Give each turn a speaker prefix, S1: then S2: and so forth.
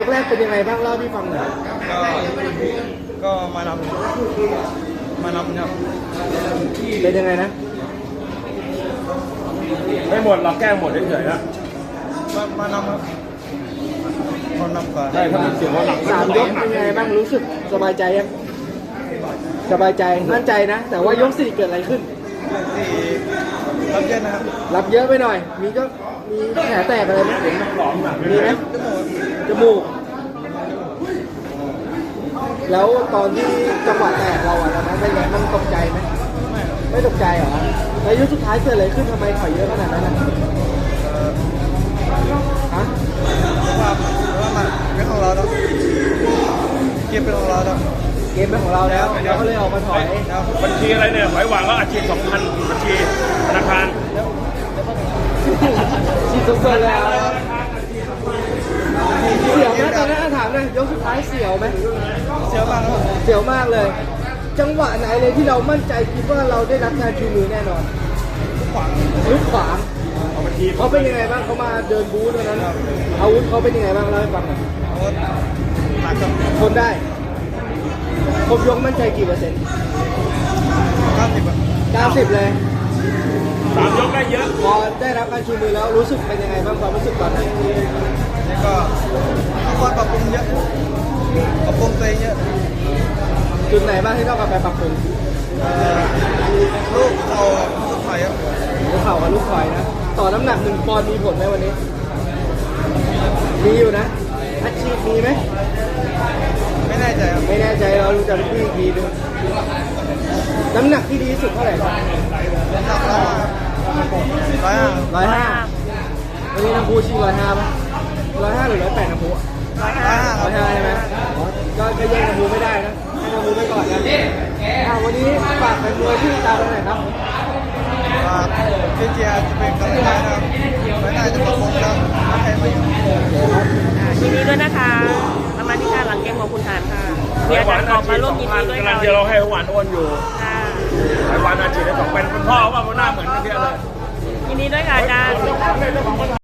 S1: แรกเป็นยังไงบ้างเล่าที่ฟังหน่อย
S2: ก็มานำครับ
S1: เป็นยังไงนะ
S3: ไม่หมดเราแก้หมดเฉยๆนะ
S2: มานำครับคนนำก่อน
S3: ใช่ถ้ามันเสียงว่าหลัง
S1: 3 ยกเป็นยังไงบ้างรู้สึกสบายใจยังสบายใจมั่นใจนะแต่ว่ายก 4เกิดอะไรขึ้น
S2: ที่รับเยอะนะครับ
S1: รับเยอะไปหน่อยมีแผลแตกอะไรไหมมีไหมจมูกแล้วตอนที่จังหวะแตกเราอะตอนนั้นเป็นไงมันตกใจไหมไม่ตกใจเหรอแล้วยกสุดท้ายเกิดอะไรขึ้นทำไมถอยเยอะขนาดนั้นฮะ
S2: ว่ามันเป็นของเราแล้วเกมเป็นของเราแล้ว
S1: เกมเป็นของเราแล้วเราก็เลยออกมาถอย
S3: บัญชีอะไรเนี่ยหอยหวานก็อาชีพ2,000บัญชีธนาคาร
S1: ชีพสดๆแล้วเสียวไหมตอนนั้นถามเลยยกสุดท้ายเสียวไหม
S2: เสียวมากครับ
S1: เสียวมากเลย จังหวะไหนเลยที่เรามั่นใจคิดว่าเราได้รับการชูมือแน่นอนลุกขวางเขาเป็นยังไงบ้างเขามาเดินบูธตอนนั้นอาวุธเขาเป็นยังไงบ้างเล่าให้ฟังหน่อยทนได้ครบยกมั่นใจกี่เปอร์เซ็นต์90เลย
S3: 3 ยกได้เยอะ
S1: พอได้รับการชูมือแล้วรู้สึกเป็นยังไงบ้างความรู้สึกตอนนั้น
S2: ก็ต้องคอยปรับปรุงเยอะปรับปรุงตัวเองเยอะ
S1: จุดไหนบ้างที่ต้องกลับไปปรับปรุง
S2: ลูกเข่าลูกไข่ครับ
S1: ลูกเข่ากับลูกคอยนะต่อน้ำหนัก1 ปอนด์มีผลไหมวันนี้มีอยู่นะอาชีพมีไหม
S2: ไม่แน่ใจครับ
S1: ไม่แน่ใจเราดูจากพี่อีกทีนึงน้ำหนักที่ดีที่สุดเท่าไหร่ครับ105วันนี้น้ำพุชิง105ป่ะ105หรือ108น้ำพุ105ใช่ไหมก็แย่งน้ำพุไม่ได้นะให้น้ำพุไปก่อนนะวันนี้ฝากแฟนมวยที่ตามเราหน่อยครับ
S2: เจียจะเป็นกำลังใจนะครับไม่ได้จะปรับปรุงครับใครมาอยู่
S4: ยินดีด้วยนะคะประมาณที่การหลังเกมของคุณฐานค่ะมีอาจารย์กอบมาร่วมยินดีด้วย
S3: กำลังเดียวเราให้หวานอ้วนอยู่หวานอาชีพได้2 เป็นคุณพ่อว่ามันหน้าเหมือนกันเยอะเลย
S4: ยินดีด้วยค่ะอาจารย์